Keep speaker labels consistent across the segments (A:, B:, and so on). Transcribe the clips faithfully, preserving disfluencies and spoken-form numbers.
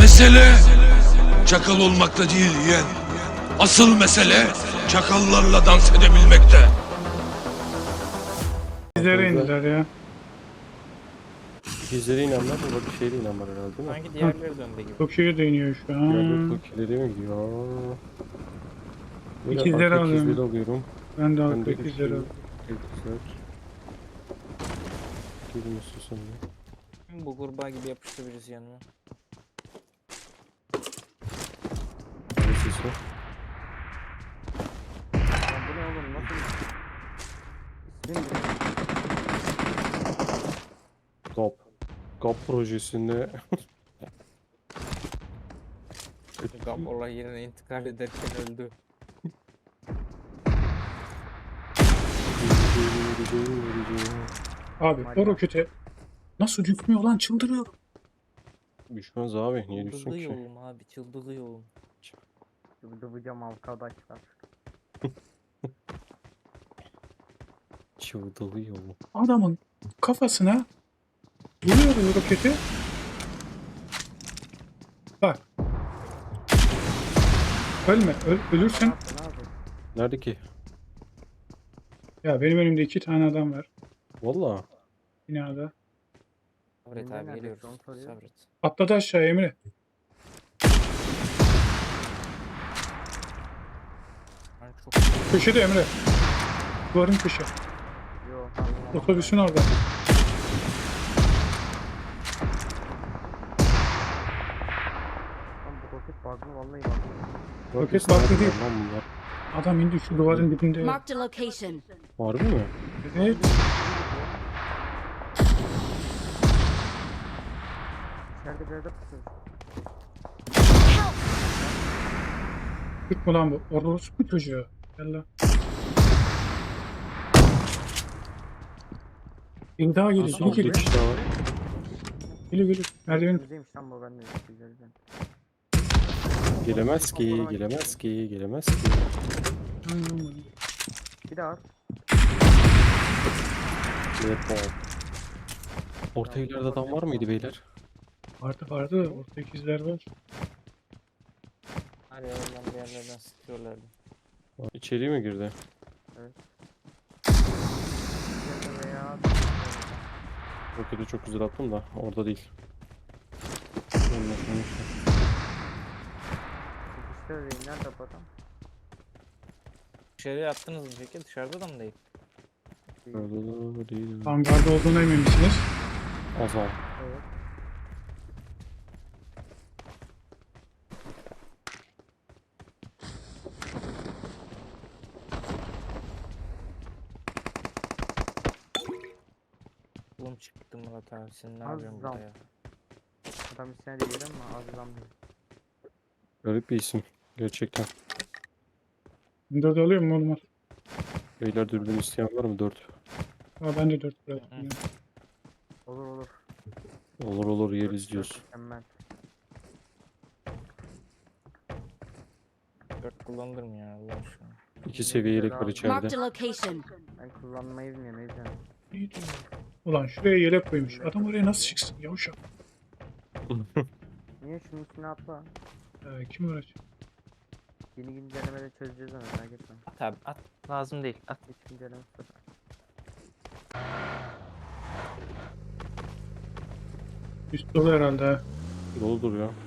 A: Mesele çakal olmakta değil yeğen. Asıl mesele çakallarla dans edebilmekte.
B: Bizlere indiler ya.
C: İkizlere inanlar da bir şeyle inanlar herhalde değil mi?
D: Sanki diğerleri döndü gibi.
B: Tokyo'ya değiniyor şu
C: Diğerleri
B: an.
C: Tokyo'ları mi gidiyor? Böyle
B: İkizleri
C: arka
B: alıyorum.
C: ikizleri alıyorum.
B: Ben de
C: Ben
B: arka
C: de
B: ikizleri
C: üçlü
B: alıyorum.
C: ikizler. Gelin istiyorsan ya.
D: Bu kurbağa gibi yapıştı birisi yanıma.
C: Neresi ise?
E: Ya bu ne oğlum nasıl? İsmim ne?
C: G A P. G A P projesinde
D: Gap olay yerine intikal ederken öldü.
B: Abi o rokete nasıl düşmüyor lan, çıldırıyorum.
C: Düşmez abi, niye düşsün ki?
D: Çıldırıyorum abi, çıldırıyorum.
E: Dıvıcam arkadaşlar.
C: Çıvdalıyor.
B: Adamın kafasına vuruyorum roketi. Bak. Ölme, öl,
E: Ne
B: ölürsen.
E: yaptın abi?
C: Nerede ki?
B: Ya benim önümde iki tane adam var
C: Valla.
B: binada.
D: Sabret
E: Emre
D: abi
E: nerede?
D: geliyoruz.
E: Onu soruyor.
D: Sabret.
B: Atladı aşağıya Emre.
D: Ben çok
B: Köşede Emre. Duvarın köşe.
E: Yo.
B: Otobüsün orada.
E: Lan bu roket bug'lı vallahi bak.
B: Roket farklı değil.
C: Lan bunlar.
B: Adam indi şu duvarın dibinde.
F: Marked a location.
C: Harbi mi?
B: Evet.
E: İçeride bir yerde pusuyor.
B: Türk mü lan bu? Orası bu çocuğu. Gel lan. Bir daha geliyor.
C: Nasıl
B: Geliyor
C: oldu?
B: geliyor.
C: İki daha var.
B: Geliyor geliyor. Merdivenin.
E: Güzelmiş lan bu ben de güzelden.
C: Gelemez ki, gelemez ki, gelemez ki.
E: Bir daha at.
C: Evet, tamam. Orta ileride adam var mıydı beyler?
B: Vardı vardı. Orada ikizler var.
D: her yerden bir yerlerden sıkıyorlardı.
C: İçeri mi girdi?
E: Bir veya
C: Roketi çok güzel attım da orada değil. Ondan sonra işte.
E: işte öyle nerede bu adam?
D: Dışarıya attınız mı peki? Dışarıda da mı değil?
C: Orada değil.
B: Hangarda olduğuna emin misiniz?
C: Azal.
E: Evet.
D: Oğlum çıktı Murat abi, sen ne
E: Az
D: yapıyorsun burada
E: zam.
D: ya?
E: Adam isyan ediyor ama az zam değil.
C: Garip bir isim. Gerçekten.
B: Dört alıyor mu oğlum?
C: Beyler dürbün isteyen var mı? Dört.
B: Ha ben de dört bıraktım.
D: Hı.
B: ya.
E: Olur olur.
C: Olur olur yeriz diyoruz.
E: Mükemmel.
D: Dört kullanılır mı ya Allah aşkına?
C: İki seviye yelek var
F: Marked
C: içeride.
F: a location.
E: Ben kullanmayı bilmiyorum o yüzden.
B: İyi diyor. Ulan şuraya yelek koymuş. Adam oraya nasıl çıksın? Yavuşak.
E: Niye şunun üstüne atla?
B: Ee, kim uğraşacak?
E: Yeni güncellemede çözeceğiz onu merak etme.
D: At abi at. Lazım değil. At.
E: Hiç güncelleme sıfır.
B: Üst dolu herhalde ha.
C: Doludur ya.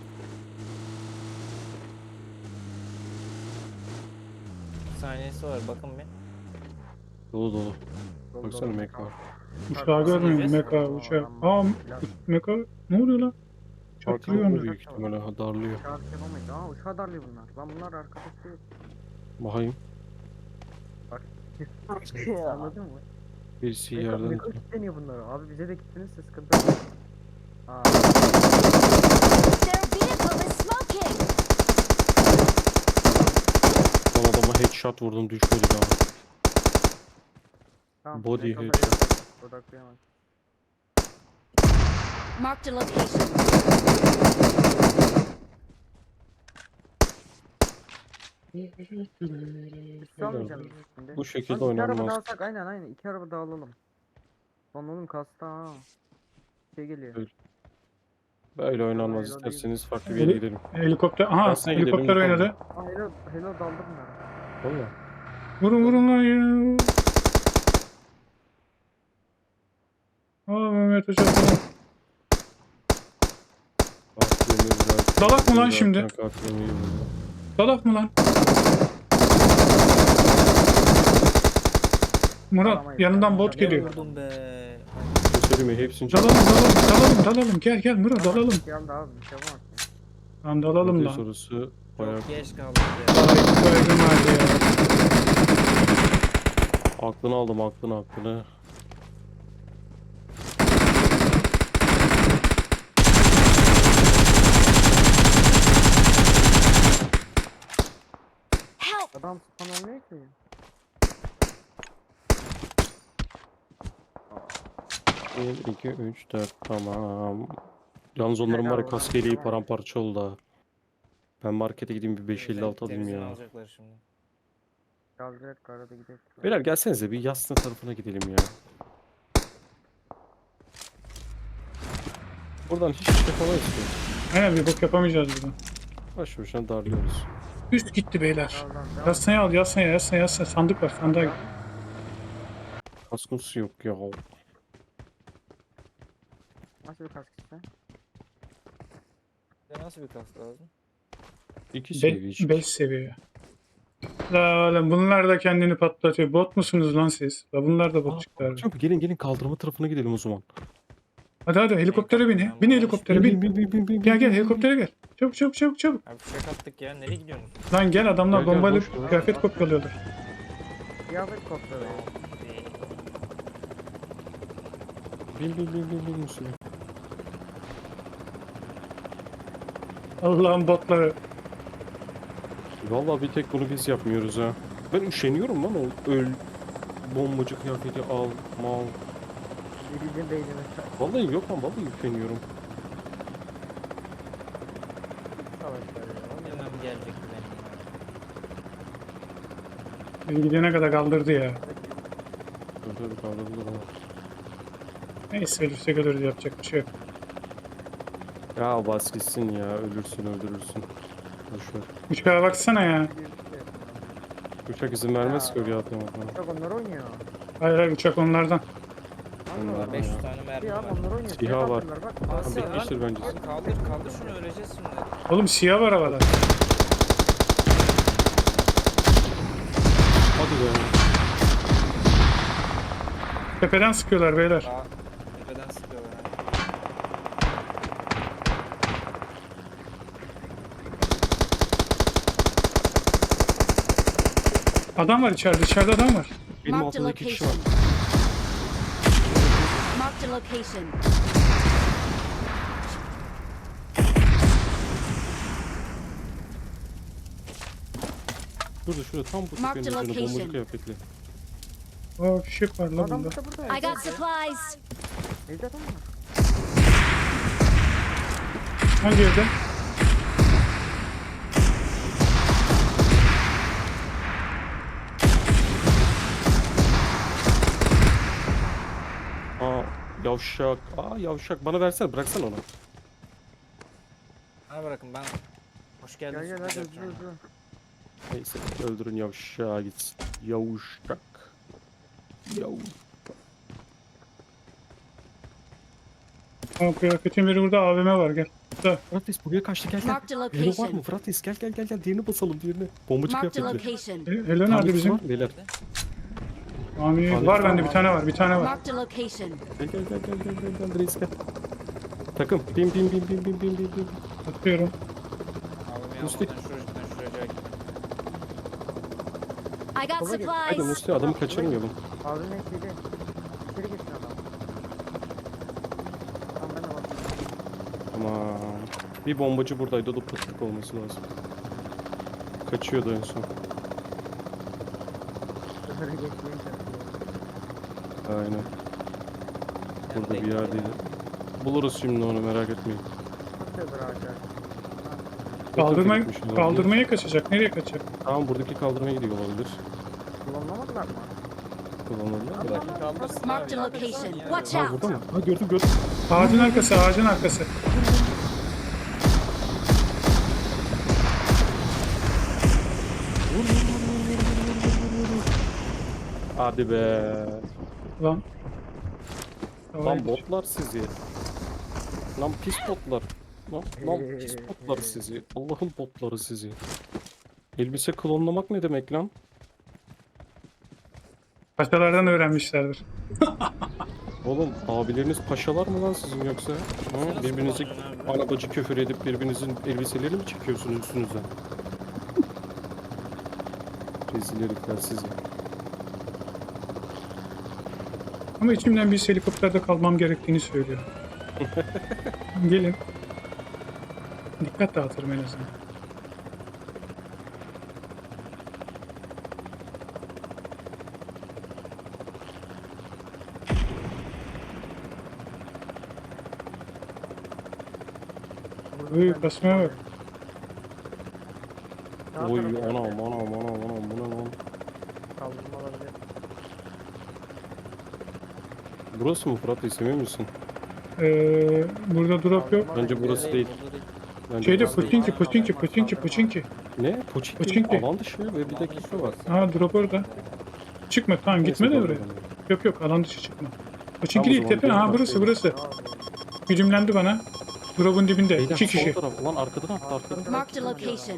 D: Saniyesi var bakın bir.
C: Dolu dolu.
E: Dolu
C: Baksana
E: dolu.
C: mek var.
B: Uçağı görmüyorum.
D: Nasıl
B: Meka
E: yiyeceğiz?
B: uçağı.
E: Aa,
B: Aa Meka ne oluyor lan? Çaktırıyor
C: Arkamda
B: onu.
C: büyük ihtimalle ha, darlıyor.
E: Uçağı yapamayız. Aa uçağı darlıyor bunlar. Lan bunlar arkadaş değil.
C: Bakayım.
E: Anladın mı?
C: Birisi
E: Meka,
C: yerden.
E: meka kilitleniyor bunlar. Abi bize de kilitlenirse sıkıntı yok. Aa,
F: Their vehicle is smoking.
C: Son adama headshot vurdum düşmedi daha.
E: tamam.
C: Body
E: meka
C: headshot.
E: odaklayamaz, odaklayamaz.
F: Marked a location.
E: Üstü almayacağım biz şimdi.
C: Bu şekilde
E: Lan iki araba
C: oynanmaz.
E: dağılsak aynen aynen. İki araba dağılalım. Lan oğlum kasta ha. Şey geliyor.
C: Evet. Böyle oynanmaz
E: Hayır, öyle
C: isterseniz farklı bir yere gidelim.
B: Helikopter. Aha
C: Aslında gidelim,
B: helikopter
C: bakalım.
B: oynadı.
E: Aa hello, hello daldım ben.
C: Valla.
B: Vurun vurun lan ya. Aa Mehmet Hoca falan. Dalak mı lan şimdi? Dalak mı lan? Murat
E: Dalamayız,
B: yanından
E: dalamayız.
B: bot geliyor.
D: Vurdum be.
C: Söyleme hepsini
B: Dalalım dalalım dalalım dalalım. Gel gel Murat dalalım.
E: Geldi abi bir şey yapamaz.
B: Lan dalalım lan.
C: sorusu bayağı
D: Çok geç kaldık ya.
B: Ay kaygım vardı ya.
C: aklını aldım aklını aklını.
F: Help!
E: Adam spawn olmuyor ki.
C: bir, iki, üç, dört tamam. Yalnız onların var ya kaskeliği paramparça oldu ha. Ben markete gideyim bir beş elli altı alayım
D: Temizini
C: ya.
D: alacaklar şimdi.
E: Kaldırarak karada gidelim.
C: Beyler gelsenize bir Yasna tarafına gidelim ya. Buradan hiç şey yapamayız ki.
B: Aynen bir bok yapamayacağız buradan.
C: Baş boşuna darlıyoruz.
B: Üst gitti beyler.
E: Daldan devam.
B: Yasnaya al yasnaya yasnaya yasnaya. Sandık var sandığa git.
C: Kaskısı yok ya.
E: Nasıl bir kask işte?
D: Size nasıl bir kask lazım?
C: İki seviye.
B: beş seviye. La oğlum bunlar da kendini patlatıyor. Bot musunuz lan siz? La bunlar da bot çıktılar.
C: Çok gelin gelin kaldırma tarafına gidelim o zaman.
B: Hadi hadi helikoptere bin. Bin helikoptere bin.
C: bin bin bin bin.
B: Gel gel helikoptere gel. Çabuk çabuk çabuk çabuk.
D: Abi fişek attık ya. Nereye gidiyorsunuz?
B: Lan gel adamlar
C: Gel, gel,
B: bombayla
C: boş ver.
B: kıyafet kopyalıyorlar.
E: Kıyafet kopyalı.
C: Bin bin bin bin bin Müslüman.
B: Allah'ın botları.
C: Vallahi bir tek bunu biz yapmıyoruz ha. Ben üşeniyorum lan o öl bombacı kıyafeti al mal.
E: Bizim beynimiz.
C: Vallahi yok lan vallahi üşeniyorum.
E: Savaşlar ya.
D: Hemen gelecek benim.
B: Biz gidene kadar kaldırdı ya.
C: Dur dur kaldırıldı bana.
B: Neyse ölürsek ölürüz yapacak bir şey yok.
C: Ya bas gitsin ya ölürsün öldürürsün. Boşver.
B: Uçağa baksana ya.
C: Uçak izin vermez ki öyle atlamak.
E: Çok onlar oynuyor.
B: Hayır hayır uçak onlardan.
C: Onlar
E: Allah.
D: beş yüz tane mermi
E: Ya
D: var.
E: onlar oynuyor.
C: Siha
E: Siha
C: var.
E: atıyorlar, Bak.
D: Nasıl lan?
C: bitmiştir bence.
D: Abi kaldır kaldır şunu öleceğiz şimdi.
B: Oğlum siyah var havada.
C: Hadi be.
B: Tepeden sıkıyorlar beyler.
D: Daha tepeden sıkıyorlar. ha.
B: Adam var içeride. İçeride adam var.
C: Benim
F: Marked a
C: altımda iki kişi var.
F: location. Marked a location.
C: Şurada şurada tam bu
F: Marked
C: tepenin üzerine bombacı
F: location.
C: kıyafetli.
B: Aa fişek var lan
E: Adam
B: bunda.
E: burada burada.
F: I got supplies.
E: Evde adam var.
B: Hangi evde?
C: Aa yavşak. Aa yavşak bana versene bıraksana onu.
D: Ha bırakın ben. Hoş geldin.
E: Gel gel hadi hızlı hızlı.
C: Neyse öldürün yavşağı gitsin. Yavşak. Yav.
B: Aa kıyafetin biri burada A V M var gel. Burada.
C: Fratis buraya kaçtı gel gel.
F: Marked a
C: Hello var mı
F: location.
C: Fratis gel gel gel gel diğerini basalım diğerini. Bombacı
F: Marked a
C: kıyafetli.
F: location.
B: E, Hello nerede
C: Tanesi
B: bizim?
C: var mı beyler?
B: Ami var bende bir tane var bir tane var.
F: Marked a location.
C: Gel gel gel gel gel gel gel reis gel. Takım bin bin bin bin bin bin bin bin.
B: Atıyorum.
D: Abi
C: Musti.
D: yanmadan şuradan şuraya gel.
F: I got
E: Sola git.
C: Hadi
F: supplies.
C: Musti adamı kaçırmayalım.
E: Abinin eksiği. İçeri geçsin adam. Tamam ben de bakayım.
C: Tamam. Bir bombacı buradaydı o da pıtlık olması lazım. Kaçıyordu en son.
E: Şöyle geçmeye çalışıyor.
C: Aynen. Burada
D: Yani
C: bir yerdeydi. Buluruz şimdi onu merak etmeyin.
E: Atıyordur ağaçlar.
B: Kaldırmaya,
C: gitmiş olabilir.
B: kaldırmaya kaçacak. Nereye kaçacak?
C: Tamam buradaki kaldırmaya gidiyor olabilir.
E: Kullanmadılar mı?
C: Kullanılır. Bir dakika.
D: Kaldırsın
F: Marked
D: abi.
F: a location. Watch
C: Ha
F: out.
C: burada mı? Ha gördüm gördüm.
B: Ağacın arkası ağacın arkası.
C: Hadi be.
B: Lan.
C: Lan botlar sizi. Lan pis botlar. Lan, lan pis botlar sizi. Allah'ın botları sizi. Elbise klonlamak ne demek lan?
B: Paşalardan öğrenmişlerdir.
C: Oğlum abileriniz paşalar mı lan sizin yoksa? Ha? Birbirinizi arabacı küfür edip birbirinizin elbiselerini mi çekiyorsunuz üstünüzden? Rezil herifler sizi.
B: Ama içimden bir helikopterde kalmam gerektiğini söylüyor. Gelin. Dikkat dağıtırım en azından. Uy, kasmaya bak.
E: Sağ
C: Oy
E: tarafta
C: anam anam anam anam bu ne lan?
E: kaldırma olabilir.
C: Burası mı Fırat Bey emin misin?
B: Ee, burada drop yok.
C: Bence burası değil. Bence
B: Şeyde
C: burası değil.
B: Puçinki, Puçinki, Puçinki, Puçinki.
C: Ne? Poçinki.
B: Poçinki.
C: Alan dışı ve bir dakika var.
B: Ha drop orada. Çıkma tamam gitme de
C: Neyse,
B: oraya.
C: pardon.
B: Yok yok alan dışı çıkma. Puçinki
C: Tamam, o
B: değil
C: zaman
B: tepe.
C: gelin
B: Ha
C: bak,
B: burası
C: gelin.
B: burası. Güdümlendi bana. Drop'un dibinde.
C: Beyler
B: iki kişi.
C: sol taraf. Ulan arkadan attı arkadan.
F: Marked a location.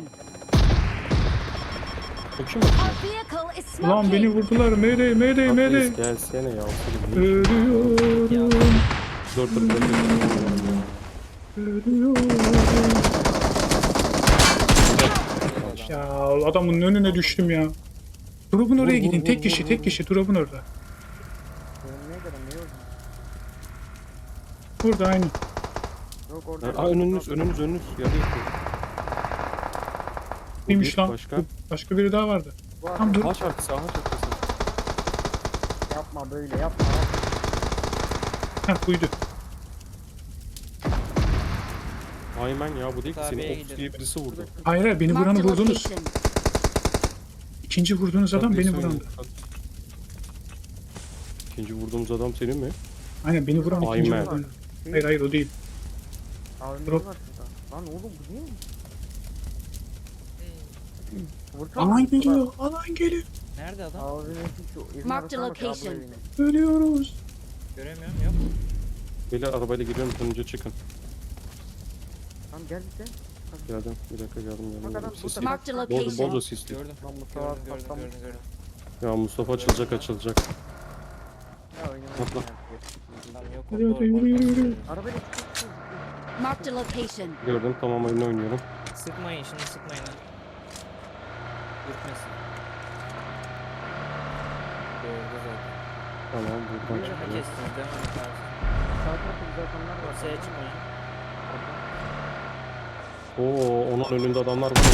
C: O kim?
F: Our vehicle is
B: Ulan beni
F: smoking.
B: vurdular. Mayday mayday
C: Fırat
B: mayday.
C: Reis gelsene ya. Selim.
B: Ölüyorum.
C: Dur dur dur.
B: Ölüyorum. Ya adamın önüne düştüm ya. Drop'un oraya
C: Vur,
B: gidin.
C: vur,
B: Tek
C: vur,
B: kişi
C: vur,
B: tek
C: vur.
B: kişi. Drop'un orada.
E: Önüne göre ne yok?
B: Burada aynı.
E: Yok orada.
C: Aa önünüz önünüz önünüz. Yarı yakın. Bu
B: Neymiş
C: bir,
B: lan?
C: Başka.
B: Başka biri daha vardı.
E: Bu
B: Tam
E: adam
B: dur.
C: Ağaç arkası ağaç arkası.
E: yapma böyle yapma. yapma.
B: Heh buydu.
C: Aymen ya bu değil ki seni
D: Tabiye
C: Ops diye birisi vurdu.
B: Hayır hayır beni vuranı
F: Marked a
B: vurdunuz.
F: location.
B: İkinci vurduğunuz adam beni
C: Neredeyse
B: vurandı.
C: vurdu. İkinci vurduğumuz adam senin mi?
B: Aynen beni vuran ikinci
C: Aynen.
B: vurdu. Hayır hayır o değil.
E: Abi
B: Drop.
E: var şurada. Lan oğlum bu değil mi? Vurkan
B: Alan
E: mı?
B: geliyor. Alan geliyor.
D: Nerede adam?
E: Abi ne şu evin
F: Marked
E: arasına bak ya, bu
F: location.
E: evine.
B: Ölüyoruz.
D: Göremiyorum yok.
C: Beyler arabayla geliyorum önce çıkın.
E: Tamam gel bize.
C: Geldim bir dakika geldim geldim.
E: Bak adam
C: geldim. Sisli.
E: burada.
F: Marked a
C: Bolca,
F: location.
C: bolca sisli.
D: Gördüm.
E: Lan Mustafa
D: Gördüm gördüm
E: patlamış.
D: gördüm gördüm.
C: Ya Mustafa açılacak açılacak.
E: Ya oynamayı
C: Atla.
D: Tamam yok.
B: Yürü,
D: doğru,
B: yürü,
D: doğru.
B: yürü, yürü.
E: Arabayla çıkıyorsun.
F: Marked a location.
C: Gördüm tamam oyunu oynuyorum.
D: Sıkmayın şimdi sıkmayın ha. Dürtmesin. Gördü zaten.
C: Tamam buradan
D: Ne
C: çıkıyorum.
D: kestiniz devam et abi.
E: Sağ tarafta güzel adamlar var.
D: Ortaya çıkmayın.
C: Oo onun önünde adamlar var.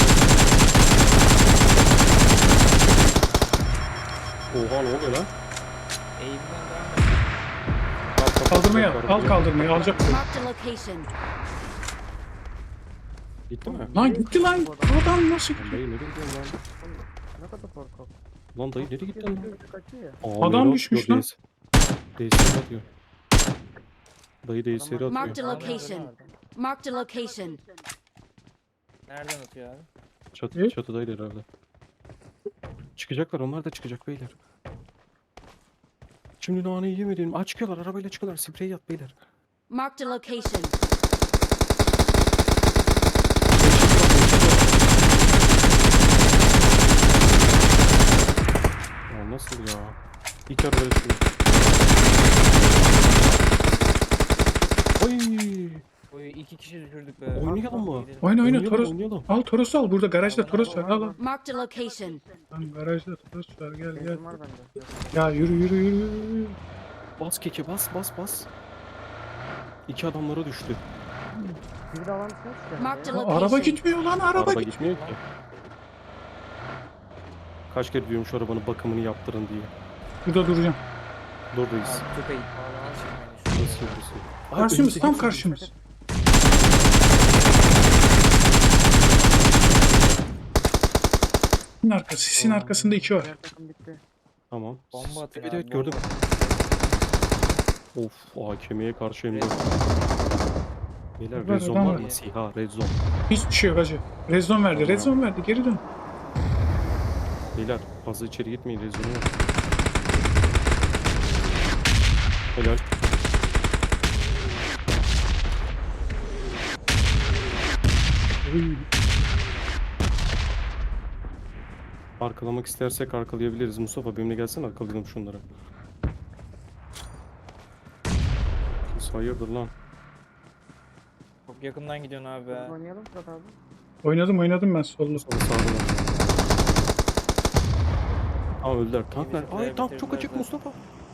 C: Oha ne oluyor lan?
D: Eğimden devam et.
C: Bak, bak,
B: Kaldırmaya
C: bak,
B: al.
C: bak,
B: Al kaldırmayı. Alacak mı?
F: Marked a location.
C: Gitti mi?
B: Lan gitti lan. Adam nasıl
C: Lan
B: gitti?
C: dayı nereye gidiyorsun lan?
E: Ne kadar korkak.
C: Lan dayı nereye gittin lan?
E: Kaçıyor ya.
C: Aa,
B: Adam
C: Mero
B: düşmüş
C: atıyor,
B: lan.
C: D S R atıyor. Dayı D S R atıyor.
F: Marked a location. Marked a location.
D: Nereden atıyor abi?
C: Çatı,
B: Evet.
C: çatıdaydı herhalde. Çıkacaklar onlar da çıkacak beyler. Şimdi naneyi yemedim. Aa çıkıyorlar arabayla çıkıyorlar. Sprey yat beyler.
F: Marked a location.
C: Ya nasıl ya? İlk arabayla çıkıyor. Oy!
D: Oy iki kişi düşürdük be.
C: Oynayalım mı?
D: Gidelim.
B: Oyna oyna
C: Oynayalım,
B: Toros.
C: oynayalım.
B: Al Toros'u al. Burada garajda Toros var. Al al.
F: Marked a location.
B: Lan garajda Toros var. Gel gel.
E: Benzin var bende.
B: Ya yürü yürü yürü. yürü.
C: Bas keke bas bas bas. İki adamlara düştü.
E: Bir de alan çıkmış.
F: Marked a
B: Aa,
F: location.
B: araba gitmiyor lan araba,
C: Araba
B: gitmiyor.
C: gitmiyor ki. Kaç kere diyorum şu arabanın bakımını yaptırın diye.
B: Burada duracağım.
C: Buradayız.
D: Abi köpeği.
C: Nasıl yapıyorsun? Ay,
B: Karşımız
C: önümüzdeki
B: tam
C: çocuk.
B: karşımız. Sisin arkası. Sisin arkasında iki var.
E: Diğer takım bitti.
C: Tamam.
D: Bomba atın
C: Evet
D: abi,
C: evet gördüm.
D: bomba.
C: Of A K M'ye karşı hem de.
D: Red-
C: Beyler
B: Var,
C: red zone
B: adam
C: var
B: var.
C: mı? Siha red zone.
B: Hiçbir şey yok hacı. Rezon verdi.
C: Tamam.
B: Rezon verdi. Geri dön.
C: Beyler fazla içeri gitmeyin red zone yok. Helal.
B: Uy.
C: Arkalamak istersek arkalayabiliriz. Mustafa benimle gelsene, arkalayalım şunları. Siz hayırdır lan?
D: Çok yakından gidiyorsun abi
E: Biz
D: be.
E: oynayalım Fırat abi.
B: Oynadım oynadım ben sollu.
C: Mustafa sağda lan. Aa öldüler. Tank nerede?
D: bitirdiler,
C: Ay tank çok
D: bitirdiler
C: açık
D: zaten.
C: Mustafa.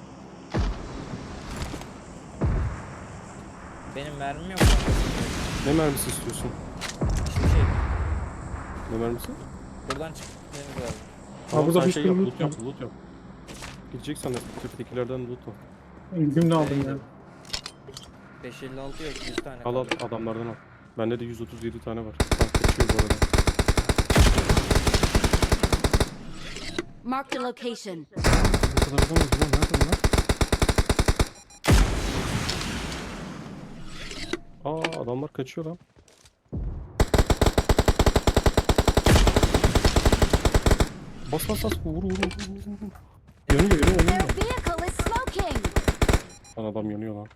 D: Benim mermim yok kanka.
C: Ne mermisi istiyorsun?
D: Hiçbir şey.
C: Ne mermisi?
D: Buradan çıkıp gitmemiz lazım.
C: Tamam,
B: burada
C: sen
B: bir
C: şey
B: sürü
C: yap,
B: loot
C: loot yap, loot yap. Gideceksen de tepkidekilerden loot al.
B: Gümle aldım ya.
D: beş elli altı yok, yüz tane
C: Al al,
D: kaldı.
C: adamlardan al. Bende de yüz otuz yedi tane var. Tank kaçıyor bu arada.
F: Marked a location.
C: Ne kadar adamız lan? Nerede bunlar? Aa adamlar kaçıyor lan. Bas bas bas, vur vur vur vur vur. Yanıyor yanıyor
F: Their
C: yanıyor.
F: vehicle is smoking.
C: Lan adam yanıyor lan.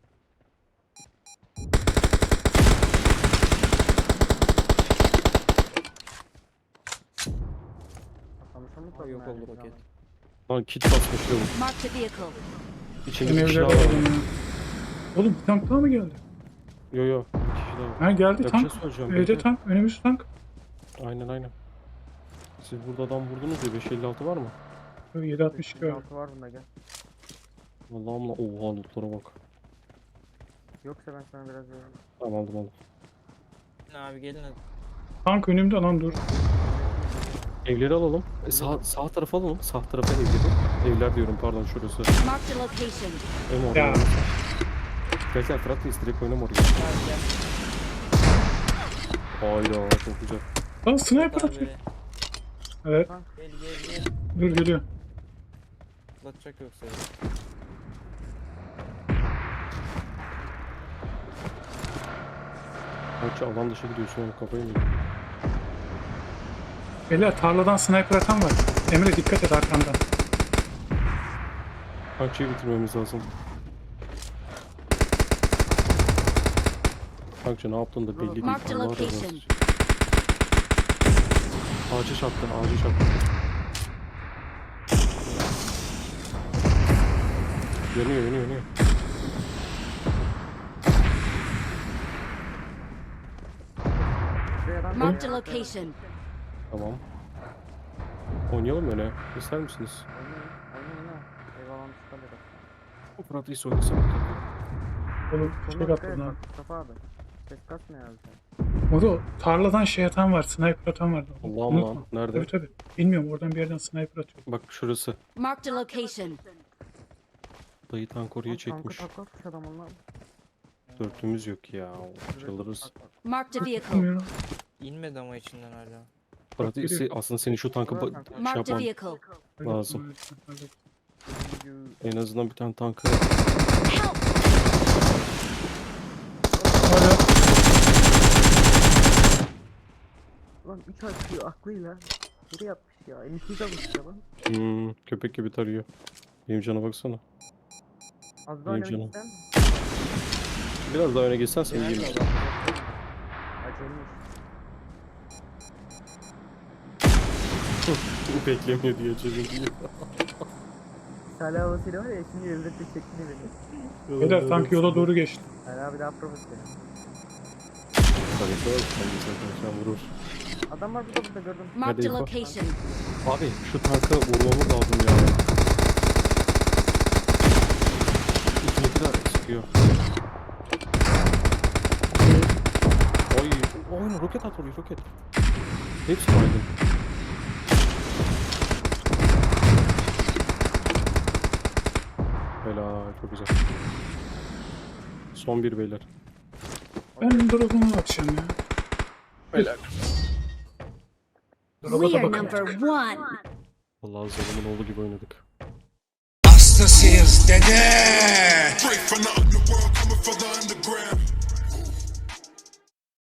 E: Atlamışım
D: Aa, yok oldu roket.
C: Lan kit basmış lavuk.
F: Marked a vehicle.
C: İçinde
B: Ben
C: bir kişi
B: evlere
C: daha var.
B: aldım ya. Oğlum bir tank daha mı geldi?
C: Yo yo, bir kişi daha var.
B: Ha geldi
C: Ya bir
B: tank.
C: şey soracağım,
B: Evde
C: bekle.
B: tank. Önümüz tank.
C: Aynen aynen. Siz burada adam vurdunuz ya, beş elli altı var mı?
B: yedi altmış iki var.
E: altı var bunda gel.
C: Allah'ım la, oha lootlara bak.
E: Yoksa ben sana biraz veririm.
C: Tamam aldım aldım.
D: Abi gelin hadi.
B: Tank önümde lan dur.
C: Evleri alalım. E, sağ, sağ tarafa alalım. Sağ tarafa evleri. Evler diyorum pardon, şurası.
F: Marked a location.
C: Em orada.
B: Ya.
C: Gel gel Fırat Reis, direkt oynama oraya.
D: Abi gel.
C: Hayda çok güzel.
B: Lan sniper
D: Abi,
B: atıyor. Evet
D: Gel gel gel.
B: dur geliyor.
D: Atlatacak yoksa.
C: Maçı alan dışı gidiyorsun oğlum, kafayı mı yedin?
B: Beyler tarladan sniper atan var. Emre dikkat et arkandan.
C: Tankçıyı bitirmemiz lazım. Tankçı ne yaptın da belli değil.
F: Marked
C: Allah razı
F: location.
C: olsun. Ağacı çarptı, ağacı çarptı. Yanıyor, yanıyor, yanıyor.
E: Şuraya adam
F: Marked a location.
C: Tamam. Oynayalım öyle. İster misiniz?
E: Oynayın. Oynayın ha. Eyvallah çıkalım.
C: Fırat Reis oynasana.
B: Oğlum
E: Sonuna
B: şey
E: dikkat
B: yaptı
E: et
B: lan.
E: bak Mustafa abi. Ses kasmıyor abi sen.
B: O da tarladan şey atan var. Sniper atan vardı.
C: Allah'ım
B: Unutma.
C: lan. Nerede?
B: Tabii tabii. Bilmiyorum oradan bir yerden sniper atıyor.
C: Bak şurası.
F: Marked a location.
C: Dayı tank oraya
E: Lan
C: çekmiş.
E: Tankı taklatmış adam onlar.
C: Dörtümüz yok ya. Çalırız.
F: Marked a vehicle.
B: Bilmiyorum.
D: İnmedi ama içinden hala.
C: Fırat Reis,
B: geliyor.
C: aslında senin şu tankı ba- şey
F: Marked a
C: yapman
F: vehicle.
C: lazım. En azından bir tane tankı.
F: Help!
B: Hala
E: Lan üç açıyor aklıyla. Nereye yapmış ya? Elisiz almış ya lan.
C: Hmm, köpek gibi tarıyor. Benim cana baksana.
E: Az daha
C: İyi
E: öne
C: canım.
E: gitsen.
C: Biraz daha öne geçsen seni
D: Nerede
C: yiyeyim.
D: adam?
E: Acayip.
C: Beklemiyor diye çözüm.
E: Salih havasıyla var ya şimdi evde tek çekti beni.
B: beyler tank yola doğru geçti.
E: Salih abi daha profesör.
C: Tabii ki var. Sen vurur.
E: Adam var burada burada gördüm.
F: Marked a
C: info?
F: location.
C: Abi şu tanka vurmamız lazım ya. İkinci de sıkıyor. Oy, oyun roket at oraya, roket. Hepsi baygın. Helal, çok güzel. Son bir beyler.
B: Ben drop'uma bakacağım ya.
C: Helal.
B: Drop'a
F: We
B: da
F: are
B: bakın.
F: number one.
C: Vallahi zalimin oğlu gibi oynadık.
A: Hastasıyız dede.
G: Straight from the underworld, coming from the underground.